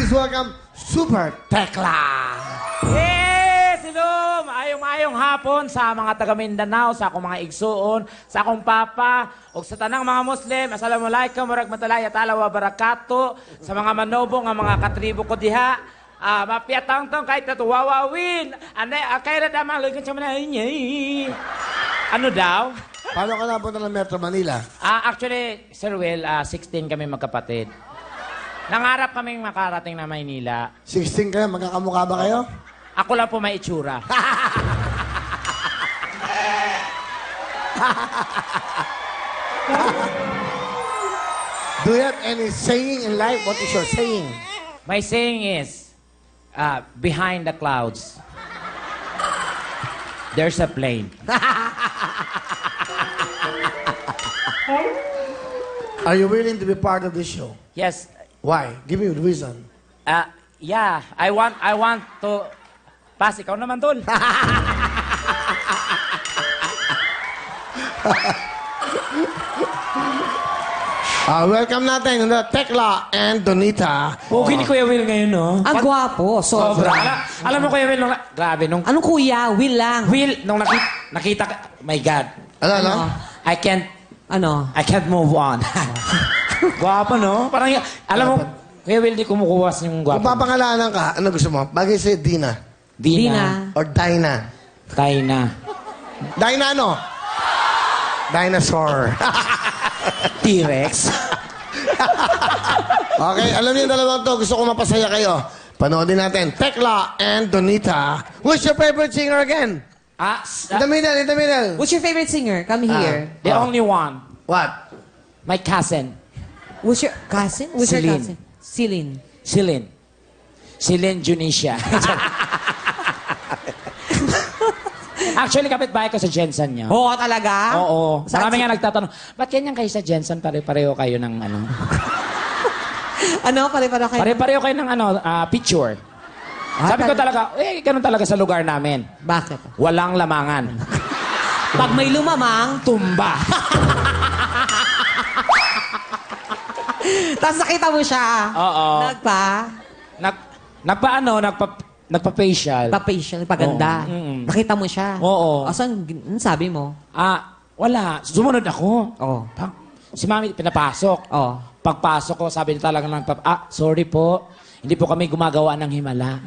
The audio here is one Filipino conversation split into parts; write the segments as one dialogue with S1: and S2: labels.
S1: Please welcome Super Tekla.
S2: Yes! Hello! Maayong hapon sa mga taga Mindanao, sa akong mga igsuon, sa akong papa, o sa tanang mga Muslim. Assalamualaikum warahmatullahi wa barakatuh. Sa mga manobo nga mga katribo ko diha. Mapiatang-tang kahit natuwawawin. Kaya na damang lagyan siya manay. Ano daw?
S1: Paano ka napunta ng Metro Manila?
S2: Actually, Sir Will, 16 kami magkapatid. Nangarap kaming makarating na Maynila.
S1: 16 kayo, magkakamukha ba kayo?
S2: Ako lang po may itsura.
S1: Do you have any saying in life? What is your saying?
S2: My saying is, behind the clouds, there's a plane.
S1: Are you willing to be part of this show?
S2: Yes,
S1: Why? Give me the reason.
S2: yeah, I want to... Pas, ikaw naman, tol.
S1: Welcome natin the Tekla and Donita.
S2: Okay ni Kuya Will ngayon, no?
S3: Ang gwapo, sobra.
S2: Alam mo, Kuya Will, grabe, nung...
S3: Anong kuya? Will lang.
S2: Will, nung nakita ka... My God.
S1: Ano?
S2: I can't move on. Guwapo, no? Parang, alam mo, Kuya Will, di kumukuwas yung
S1: Kung
S2: guwapo.
S1: papangalanan ka, ano gusto mo? Bagay si Dina.
S3: Dina.
S1: Or Dinah.
S2: Tayo na.
S1: Dinah ano? Dinosaur.
S2: T-Rex.
S1: Okay, alam niyo yung dalawang to. Gusto ko mapasaya kayo. Panoodin natin. Tekla and Donita. Who's your favorite singer again? In the middle, in the middle.
S3: What's your favorite singer? Come here.
S2: The only one.
S1: What?
S2: My cousin.
S3: What's your cousin? What's your
S2: Celine.
S3: cousin? Celine.
S2: Celine. Celine Junisha. Actually, kapitbahay ko sa Jensen niya.
S3: Oo, talaga?
S2: Oo.
S3: Saan
S2: Marami nga nagtatanong, ba't ganyan kayo sa Jensen? Pare-pareho kayo ng ano?
S3: Ano? Pare-pare kayo?
S2: Pare-pareho kayo ng ano, picture. Sabi ko talaga, ganun talaga sa lugar namin.
S3: Bakit?
S2: Walang lamangan.
S3: Pag may lumamang,
S2: Tumba.
S3: tapos nakita mo siya.
S2: Oo. Nagpa-facial.
S3: Pa-facial, paganda.
S2: Oo.
S3: Nakita mo siya.
S2: Oo.
S3: Asan, anong sabi mo?
S2: Wala. Sumunod ako.
S3: Oo.
S2: Si Mami, pinapasok.
S3: Oo.
S2: Pagpasok ko, sabi niya talaga sorry po. Hindi po kami gumagawa ng himala.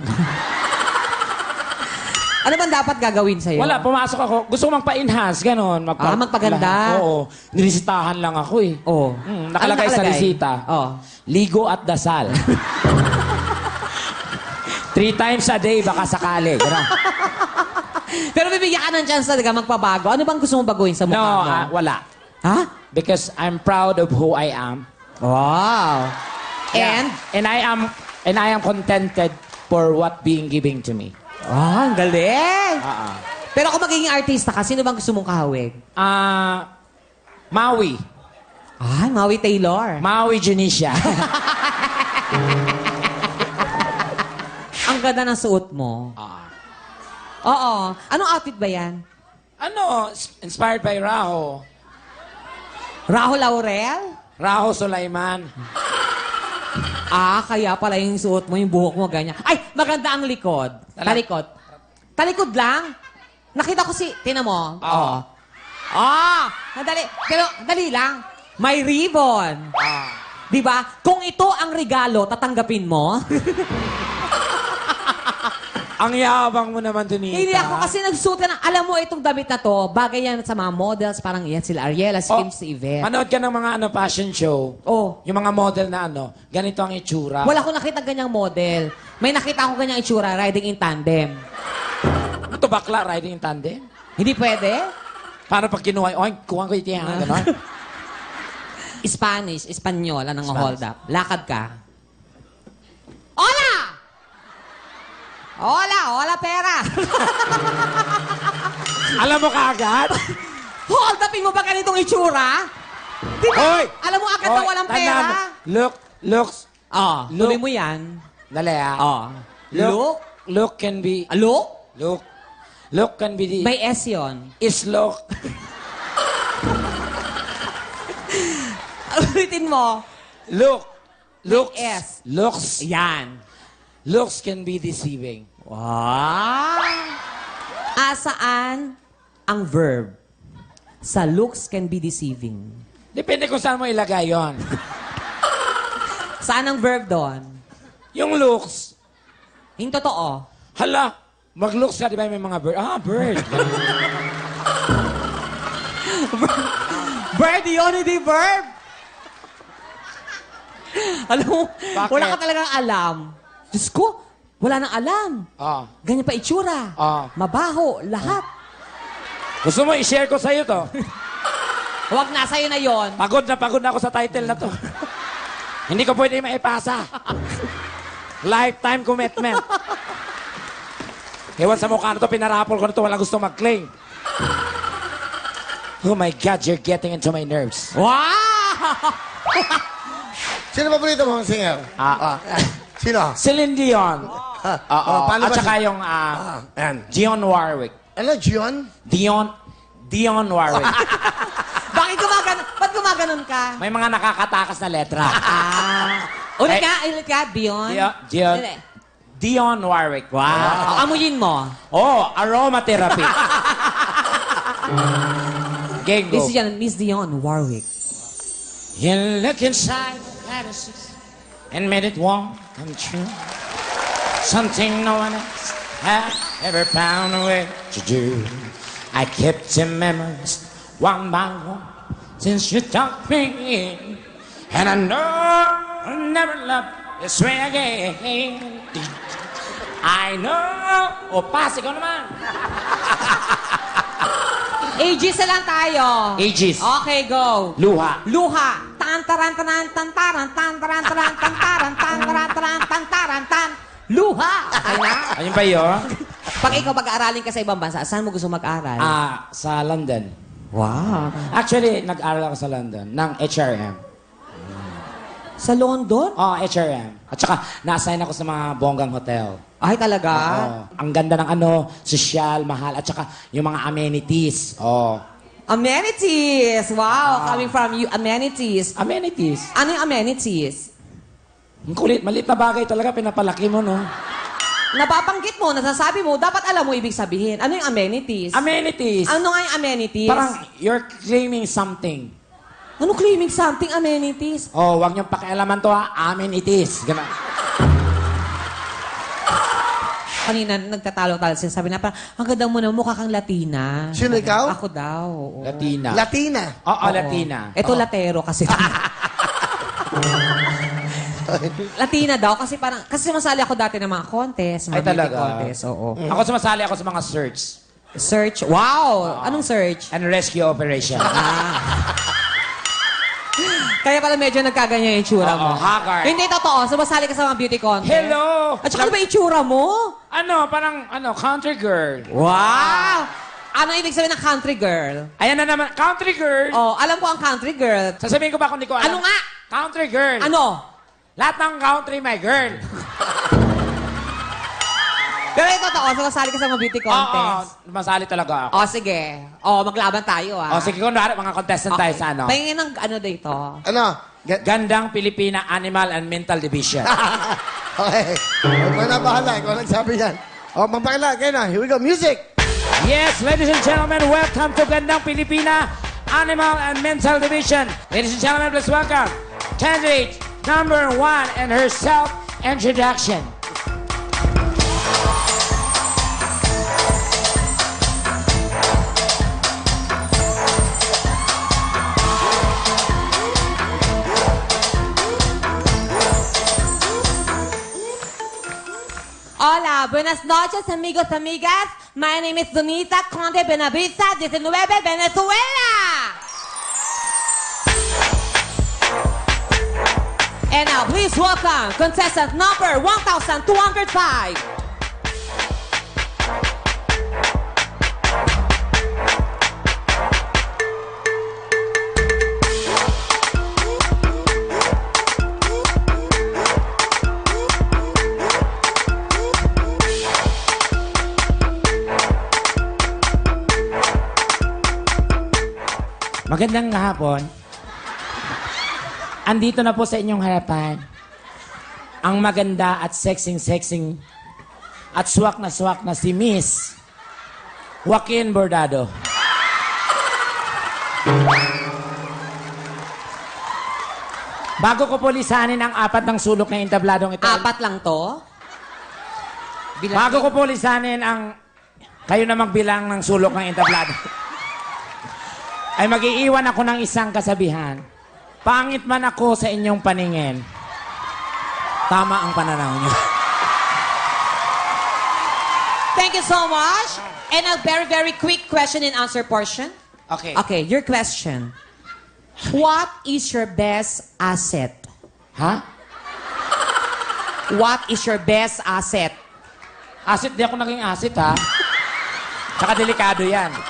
S3: Ano bang dapat gagawin sa'yo?
S2: Wala, pumasok ako. Gusto ko magpa-enhance, gano'n.
S3: Magpaganda.
S2: Oo. Niresitahan lang ako eh.
S3: Oo.
S2: Nakalagay
S3: Ano
S2: sa resita.
S3: Oo.
S2: Ligo at dasal. 3 times a day, baka sakali. Gano'n.
S3: Pero bibigyan ka ng chance talaga magpabago. Ano bang gusto mong baguhin sa mukha
S2: No,
S3: mo?
S2: wala.
S3: Ha?
S2: Because I'm proud of who I am.
S3: Wow.
S2: Yeah. And I am contented for what being given to me.
S3: Ang galing.
S2: Ah.
S3: Pero kung magiging artista ka, sino bang gusto mong kahawig?
S2: Maui.
S3: Maui Taylor.
S2: Maui Junisha.
S3: Ang ganda ng suot mo. Oo. Anong outfit ba yan?
S2: Inspired by Raho.
S3: Rahul Laurel?
S2: Raho Sulaiman.
S3: Kaya pala yung suot mo, yung buhok mo, ganyan. Ay, maganda ang likod. Talikod. Talikod lang? Nakita ko tinan mo.
S2: Oo.
S3: Nadali. Pero, dali lang. May ribbon. Di ba? Kung ito ang regalo, tatanggapin mo?
S2: Ang yabang mo naman, Donita.
S3: Hindi ako kasi nagsuot ka ng, alam mo, itong damit na to, bagay yan sa mga models, parang yan sila Ariela, si Kim, si Yvette.
S2: Manood ka ng mga fashion show.
S3: Oh.
S2: Yung mga model na ganito ang itsura.
S3: Wala akong nakita ganyang model. May nakita ako ganyang itsura, riding in tandem.
S2: Ito bakla, riding in tandem.
S3: Hindi pwede?
S2: Paano pag kinuha, kuha ko ito yan, gano'n?
S3: Spanish, Espanyol, anong
S2: Spanish.
S3: hold up. Lakad ka. Hola! Hola, pera!
S2: Alam mo kaagad?
S3: Hold upin mo ba ganitong itsura? Di ba?
S2: Hoy!
S3: Alam mo agad na walang
S2: tandaan
S3: pera?
S2: mo. Looks.
S3: Tuloy mo yan.
S2: Dali Look can be...
S3: Look?
S2: Look can be the...
S3: May S yun.
S2: Is look.
S3: Ulitin mo.
S2: Look Looks.
S3: S.
S2: Looks.
S3: Yan.
S2: Looks can be deceiving.
S3: Wow! Saan ang verb? Sa looks can be deceiving.
S2: Depende kung saan mo ilagay yon.
S3: Saan ang verb doon?
S2: Yung looks.
S3: Yung totoo.
S2: Hala, mag-looks ka, di ba may mga bird? Ah, bird.
S3: Verb yun, hindi verb. Alam mo,
S2: Bakit?
S3: wala ka talagang alam. Diyos ko, wala nang alam.
S2: Ah.
S3: Ganyan pa itsura.
S2: Ah.
S3: Mabaho, lahat.
S2: Gusto mo i-share ko sa'yo to?
S3: Huwag na, sa'yo na yon.
S2: Pagod na ako sa title na to. Hindi ko pwede maipasa. Lifetime commitment. Ewan sa mukha na to, pinarapol ko na to, walang gusto mag-claim. Oh my God, you're getting into my nerves.
S3: Wow!
S1: Sino paborito mong singer? Sino?
S2: Celine Dion.
S1: paano
S2: At
S1: ba
S2: saka
S1: si-
S2: yung
S1: Ayan.
S2: Dionne Warwick.
S1: Ano, Gion?
S2: Dionne Warwick.
S3: Bakit ba't gumaganon ka?
S2: May mga nakakatakas na letra.
S3: Ulit
S2: Ay.
S3: ka, Dion. Dili.
S2: Dionne Warwick.
S3: Wow. Amuyin mo.
S2: Oh, aromatherapy. Game go.
S3: This is yan, Miss Dion Warwick.
S2: You look inside the fantasies and made it won't come true. Something no one else has ever found a way to do. I kept your memories one by one since you took me in. And I know I'll never love this way again. I know. O, pass, ikaw naman.
S3: Aegis na lang tayo.
S2: Aegis.
S3: Okay, go.
S2: Luha.
S3: Luha. Tantaran taran tantaran tantaran taran tantaran tantaran taran tantaran tan. Luha. Okay na?
S2: Ayun ba yun?
S3: Pag ikaw mag-aaralin ka sa ibang bansa, saan mo gusto mag-aral?
S2: Sa London.
S3: Wow.
S2: Actually, nag-aral ako sa London ng HRM.
S3: Sa London?
S2: HRM. At saka, na-assign ako sa mga bonggang hotel.
S3: Ay, talaga?
S2: Ang ganda ng sosyal, mahal, at saka yung mga amenities.
S3: Amenities. Wow. Coming from you, amenities.
S2: Amenities.
S3: Ano yung amenities?
S2: Ang kulit, maliit na bagay talaga, pinapalaki mo, no?
S3: Nababanggit mo, nasasabi mo, dapat alam mo ibig sabihin. Ano yung amenities?
S2: Amenities.
S3: Ano nga yung amenities?
S2: Parang you're claiming something.
S3: Ano claiming something amenities?
S2: Wag niyong pakialaman to, ha? Amenities. Ganun.
S3: Kanina, nagtatalo-talo siya. Sabi na parang, ang ganda mo na, mukha kang Latina.
S1: Sino ikaw?
S3: Ako daw. Oo.
S2: Latina.
S1: Latina.
S2: Oo,
S3: Oo.
S2: Latina.
S3: Ito latero kasi. Latina daw kasi parang, kasi sumasali ako dati ng mga contest, mga
S2: Ay, talaga?
S3: beauty contest. Oo.
S2: Ako sumasali ako sa mga search
S3: Search. Wow! Anong search?
S2: and rescue operation.
S3: Kaya pala medyo nagkaganyan yung itsura mo.
S2: haggard.
S3: Hindi totoo. Sumasali ka sa mga beauty contest.
S2: Hello!
S3: At saka ano ba itsura mo?
S2: Parang, country girl.
S3: Wow! Ano ibig sabihin ng country girl?
S2: Ayan na naman, country girl.
S3: Oh, alam ko ang country girl.
S2: Sasabihin ko ba kung di ko alam?
S3: Ano nga?
S2: Country girl.
S3: Ano?
S2: Lahat ng country, my girl.
S3: Pero ito totoo, sumasali ka sa mga beauty contest.
S2: Masali talaga ako.
S3: Oh, sige. Oh, maglaban tayo, ah.
S2: Sige, kunwari, mga contestant tayo sa ano.
S3: Pahingin ng ano dito.
S1: Ano?
S2: Gandang Pilipina Animal and Mental Division.
S1: Okay. Ikaw na bahala. Ikaw nagsabi yan. Magpakila. Kaya na. Here we go. Music!
S2: Yes, ladies and gentlemen, welcome to Gandang Pilipina Animal and Mental Division. Ladies and gentlemen, please welcome candidate number 1 and her self-introduction.
S3: Hola, buenas noches, amigos, amigas. My name is Donita Conde Benaviza, 19, Venezuela. And now, please welcome contestant number 1,205.
S2: Magandang hapon. Andito na po sa inyong harapan ang maganda at sexing at swak na si Miss Joaquin Bordado. Bago ko po lisanin ang apat ng sulok na entabladong ito.
S3: Apat lang to?
S2: Bago ko po lisanin ang kayo na magbilang ng sulok ng entablado. Ay mag-iiwan ako ng isang kasabihan. Pangit man ako sa inyong paningin. Tama ang pananaw niyo.
S3: Thank you so much. And a very, very quick question and answer portion.
S2: Okay.
S3: Okay, your question. What is your best asset?
S2: Ha?
S3: What is your best asset?
S2: Asset, di ako naging asset, ha? Tsaka delikado yan.